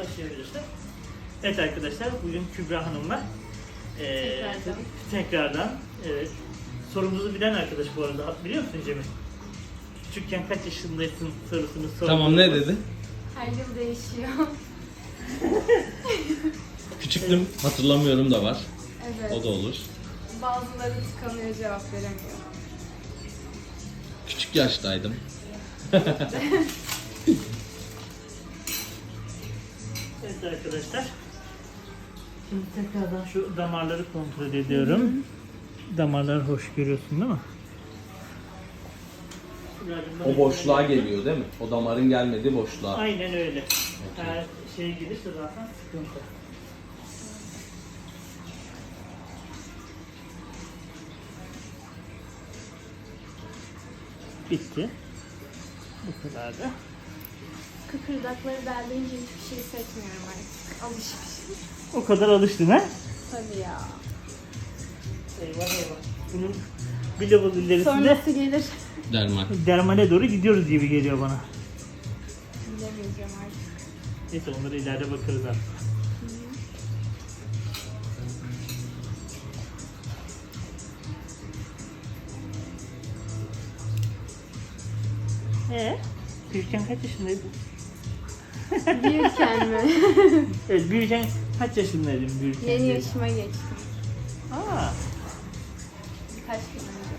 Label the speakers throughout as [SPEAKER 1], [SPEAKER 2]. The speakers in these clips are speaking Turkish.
[SPEAKER 1] başlayabilirsin. Evet arkadaşlar, bugün Kübra Hanım'la tekrardan evet, sorumuzu bilen arkadaş bu arada. Biliyor musun Cemil? Küçükken kaç yaşındaysın sorusunu sordum.
[SPEAKER 2] Tamam, ne dedi?
[SPEAKER 3] Her yıl değişiyor.
[SPEAKER 2] Küçüktüm, hatırlamıyorum da var.
[SPEAKER 3] Evet.
[SPEAKER 2] O da olur.
[SPEAKER 3] Bazıları tıkanıyor, cevap veremiyor.
[SPEAKER 2] Küçük yaştaydım.
[SPEAKER 1] Evet arkadaşlar. Şimdi tekrardan şu damarları kontrol ediyorum. Damarlar hoş, görüyorsun değil mi?
[SPEAKER 2] O boşluğa geliyor değil mi? O damarın gelmediği boşluğa.
[SPEAKER 1] Aynen öyle. Her şey gelirse zaten sıkıntı. Bitti. Bu kadar da.
[SPEAKER 3] Kıkırdakları deldiğince hiçbir şey hissetmiyorum artık. Alışmışım.
[SPEAKER 1] O kadar alıştın ha?
[SPEAKER 3] Tabii ya.
[SPEAKER 1] Eyvah eyvah. Bunun bir level ilerisinde
[SPEAKER 3] Sonrası gelir.
[SPEAKER 2] Derman.
[SPEAKER 1] dermale doğru gidiyoruz gibi geliyor bana.
[SPEAKER 3] Bilemeyeceğim artık.
[SPEAKER 1] Neyse onları ileride bakarız artık. Büyürken kaç yaşındaydın?
[SPEAKER 3] Büyürken mi?
[SPEAKER 1] Evet, büyürken kaç yaşındaydın büyürken?
[SPEAKER 3] Yeni
[SPEAKER 1] diye.
[SPEAKER 3] yaşıma geçtim.
[SPEAKER 1] Aa,
[SPEAKER 3] Birkaç gün önce.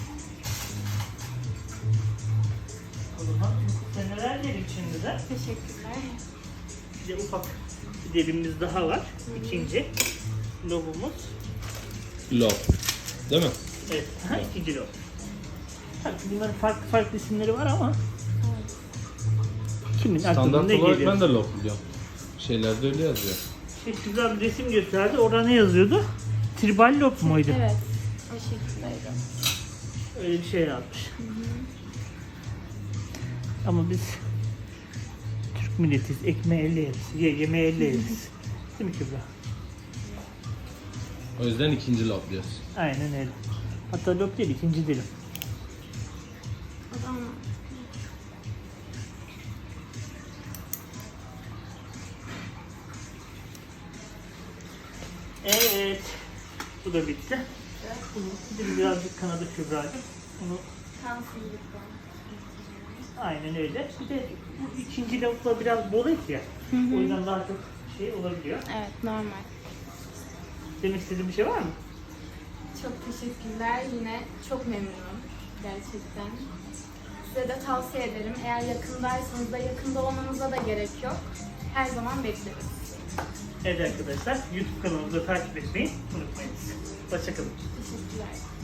[SPEAKER 1] o zaman seneler dedik şimdi de.
[SPEAKER 3] Teşekkürler.
[SPEAKER 1] Bir de ufak bir derimiz daha var. İkinci lobumuz.
[SPEAKER 2] Lob. Değil mi?
[SPEAKER 1] Evet, ikinci lob. Tabii bunların farklı farklı isimleri var ama kimin aklına
[SPEAKER 2] Standart
[SPEAKER 1] ne
[SPEAKER 2] olarak
[SPEAKER 1] geliyor?
[SPEAKER 2] ben de lob biliyorum. Şeylerde öyle yazıyor.
[SPEAKER 1] Güzel bir resim gösterdi. Orada ne yazıyordu? Tribal lob muydu?
[SPEAKER 3] Evet. O şekildeydi.
[SPEAKER 1] Öyle bir şey yazmış. Ama biz Türk milletiz. Ekmeği elle yeriz. Yemeği elle yeriz. Değil mi Kübra?
[SPEAKER 2] O yüzden ikinci lob diyoruz.
[SPEAKER 1] Aynen öyle. Hatta lob değil, ikinci dilim.
[SPEAKER 3] O zaman
[SPEAKER 1] Evet. Bu da bitti. Bunu dilim birazcık kanadı Kübra'cığım. Bunu
[SPEAKER 3] kansızlıktan.
[SPEAKER 1] aynen öyle. Bir de bu ikinci lobla biraz bol et ya. O yüzden daha çok şey olabiliyor.
[SPEAKER 3] Evet, normal.
[SPEAKER 1] Demek istediğin bir şey var mı?
[SPEAKER 3] Çok teşekkürler. Yine çok memnunum. Gerçekten. Size de tavsiye ederim. Eğer yakındaysanız da yakında olmanıza da gerek yok. Her zaman bekleriz.
[SPEAKER 1] Evet arkadaşlar, YouTube kanalımızı takip etmeyi unutmayınız. Hoşçakalın.
[SPEAKER 3] Teşekkürler.